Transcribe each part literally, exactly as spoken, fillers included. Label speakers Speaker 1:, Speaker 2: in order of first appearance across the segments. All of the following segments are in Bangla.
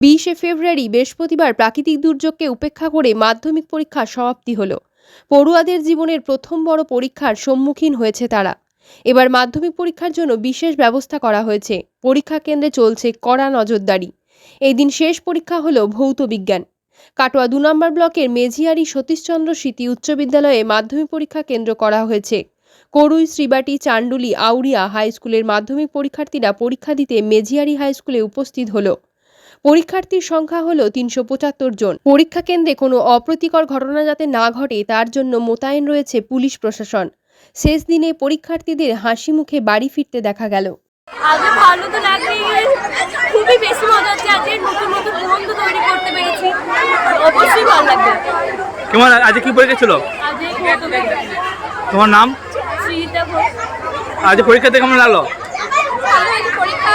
Speaker 1: বিশে ফেব্রুয়ারি বৃহস্পতিবার প্রাকৃতিক দুর্যোগকে উপেক্ষা করে মাধ্যমিক পরীক্ষার সমাপ্তি হলো। পড়ুয়াদের জীবনের প্রথম বড় পরীক্ষার সম্মুখীন হয়েছে তারা। এবার মাধ্যমিক পরীক্ষার জন্য বিশেষ ব্যবস্থা করা হয়েছে। পরীক্ষা কেন্দ্রে চলছে কড়া নজরদারি। এই দিন শেষ পরীক্ষা হলো ভৌত বিজ্ঞান। কাটোয়া দু নম্বর ব্লকের মেঝিয়ারি সতীশচন্দ্র স্মৃতি উচ্চ বিদ্যালয়ে মাধ্যমিক পরীক্ষা কেন্দ্র করা হয়েছে। করুই, শ্রীবাটি, চান্ডুলি, আউরিয়া হাই স্কুলের মাধ্যমিক পরীক্ষার্থীরা পরীক্ষা দিতে মেঝিয়ারি হাই স্কুলে উপস্থিত হলো। পরীক্ষার্থীর সংখ্যা হলো তিনশো পঁচাত্তর জন। পরীক্ষা কেন্দ্রে কোনো অপ্রীতিকর ঘটনা যাতে না ঘটে তার জন্য মোতায়েন রয়েছে পুলিশ প্রশাসন। শেষ দিনে পরীক্ষার্থীদের হাসি মুখে বাড়ি ফিরতে দেখা গেল।
Speaker 2: আজ ভালো তো লাগছে, খুবই বেশি মজা হচ্ছে। আজকে নতুন নতুন বন্ধু তৈরি করতে পেরেছি, অবশ্যই ভালো লাগবে।
Speaker 3: কেমন আজ কি পরীক্ষা ছিল?
Speaker 2: আজ
Speaker 3: তোমার নাম?
Speaker 2: শ্রীতা ঘোষ।
Speaker 3: আজ পরীক্ষাতে কেমন লাগলো?
Speaker 2: ভালো হয়েছে পরীক্ষা,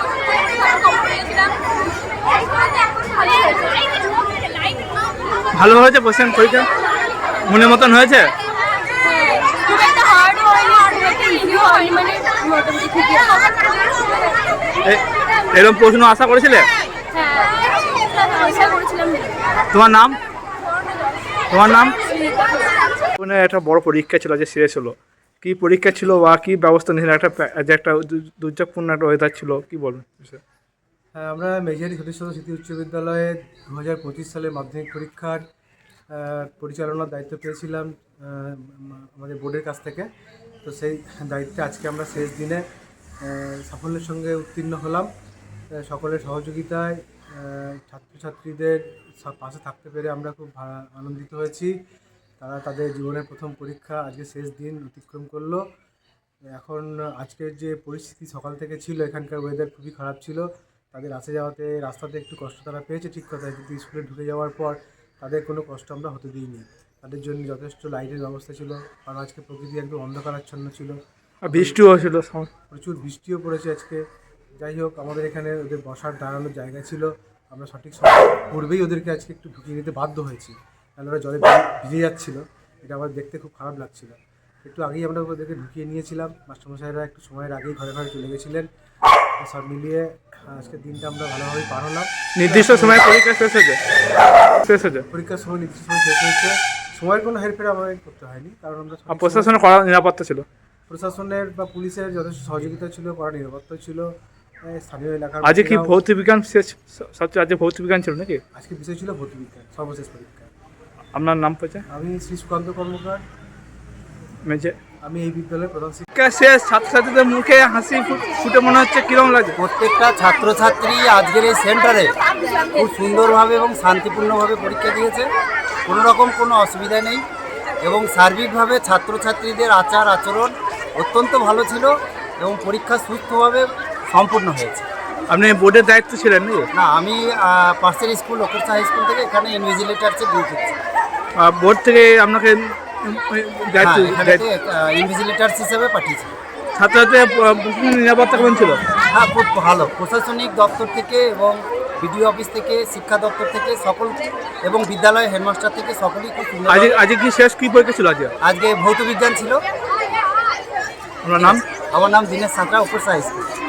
Speaker 3: ভালো হয়েছে কোশ্চেন পরীক্ষা? মনের মতন হয়েছে?
Speaker 2: খুব একটা হার্ড হয়নি, আর খুব একটা ইজিও হয়নি, মানে মোটামুটি ঠিকই আছে।
Speaker 3: এরকম প্রশ্ন আশা করেছিলে?
Speaker 2: হ্যাঁ, আশা করেছিলাম।
Speaker 3: তোমার নাম? তোমার নাম? মানে একটা বড় পরীক্ষা ছিল যে শেষ হলো, কি পরীক্ষা ছিল বা কি ব্যবস্থা নিয়েছিল? একটা যে একটা দুর্যোগপূর্ণ একটা ওয়েদার ছিল, কি বলবেন?
Speaker 4: হ্যাঁ, আমরা মেঝিয়ারি সতীশচন্দ্র স্মৃতি উচ্চ বিদ্যালয়ে দু হাজার পঁচিশ সালে মাধ্যমিক পরীক্ষার পরিচালনার দায়িত্ব পেয়েছিলাম আমাদের বোর্ডের কাছ থেকে। তো সেই দায়িত্বে আজকে আমরা শেষ দিনে সাফল্যের সঙ্গে উত্তীর্ণ হলাম। সকলের সহযোগিতায় ছাত্রছাত্রীদের পাশে থাকতে পেরে আমরা খুব আনন্দিত হয়েছি। তারা তাদের জীবনের প্রথম পরীক্ষা আজকে শেষ দিন অতিক্রম করলো। এখন আজকের যে পরিস্থিতি সকাল থেকে ছিল, এখানকার ওয়েদার খুবই খারাপ ছিল। তাদের আসে যাওয়াতে রাস্তাতে একটু কষ্ট তারা পেয়েছে, ঠিক কথা, কিন্তু স্কুলে ঢুকে যাওয়ার পর তাদের কোনো কষ্ট আমরা হতে দিইনি। তাদের জন্য যথেষ্ট লাইটের ব্যবস্থা ছিল, কারণ আজকে প্রকৃতি একদম অন্ধকারাচ্ছন্ন ছিল,
Speaker 3: বৃষ্টিও ছিল,
Speaker 4: প্রচুর বৃষ্টিও পড়েছে আজকে। যাই হোক, আমাদের এখানে ওদের বসার দাঁড়ানোর জায়গা ছিল, আমরা সঠিক সময় পূর্বেই ওদেরকে আজকে একটু ঢুকিয়ে নিতে বাধ্য হয়েছি, কারণ ওরা জলে ভিজে যাচ্ছিল। এটা আমার দেখতে খুব খারাপ লাগছিল। একটু আগেই আমরা ওদেরকে ঢুকিয়ে নিয়েছিলাম। মাস্টারমশাইরা একটু সময়ের আগেই ঘরে ঘরে চলে গেছিলেন। সব মিলিয়ে আজকের দিনটা আমরা ভালোভাবেই পার হলাম।
Speaker 3: নির্দিষ্ট সময় পরীক্ষা শেষ হয়েছে শেষ হয়েছে
Speaker 4: পরীক্ষার সময় নির্দিষ্ট সময় শেষ হয়েছে। সময়ের কোনো হেরফের আমাদের করতে হয়নি, কারণ আমরা
Speaker 3: প্রশাসনের কড়া নিরাপত্তা ছিল।
Speaker 4: প্রশাসনের বা পুলিশের যথেষ্ট সহযোগিতা ছিল, কড়া নিরাপত্তা ছিল। স্থানীয় এলাকার
Speaker 3: আজকে কি ভৌত বিজ্ঞান শেষ? সবচেয়ে আজকে ভৌত বিজ্ঞান ছিল নাকি?
Speaker 4: আজকে বিষয় ছিল ভৌত বিজ্ঞান, সর্বশেষ পরীক্ষা।
Speaker 3: আপনার নাম পরিচয়?
Speaker 4: আমি শ্রী সুকান্ত কর্মকার,
Speaker 3: মেজে।
Speaker 4: আমি এই বিদ্যালয়ের প্রধান শিক্ষক।
Speaker 3: পরীক্ষা শেষ, ছাত্রছাত্রীদের মুখে হাসি ফুটে মনে হচ্ছে কিরকম লাগে?
Speaker 5: প্রত্যেকটা ছাত্রছাত্রী আজকের এই সেন্টারে খুব সুন্দরভাবে এবং শান্তিপূর্ণভাবে পরীক্ষা দিয়েছে, কোনো রকম কোনো অসুবিধা নেই, এবং সার্বিকভাবে ছাত্রছাত্রীদের আচার আচরণ অত্যন্ত ভালো ছিল এবং পরীক্ষা সুস্থভাবে সম্পূর্ণ হয়েছে।
Speaker 3: আপনি বোর্ডের দায়িত্ব ছিলেন নাকি?
Speaker 5: না, আমি পার্সেল স্কুল লোকেরসা হাই স্কুল থেকে এখানে ইনভিজিলেটার্সে ডিউটি করছি।
Speaker 3: বোর্ড থেকে আপনাকে
Speaker 5: ইনভিজিলেটার্স হিসেবে পাঠিয়েছি।
Speaker 3: ছাত্রছাত্রীদের নিরাপত্তা কেমন ছিল?
Speaker 5: হ্যাঁ, খুব ভালো। প্রশাসনিক দপ্তর থেকে এবং বিডিও অফিস থেকে, শিক্ষা দপ্তর থেকে সকল, এবং বিদ্যালয়ের হেডমাস্টার থেকে সকলেই খুব সুন্দর।
Speaker 3: আজকে আজকে কি শেষ কি পরীক্ষা ছিল? আজকে
Speaker 5: আজকে ভৌত বিজ্ঞান ছিল।
Speaker 3: আপনার নাম?
Speaker 5: আমার নাম দীনেশ সাঁতরা, উপরসা হাই স্কুল।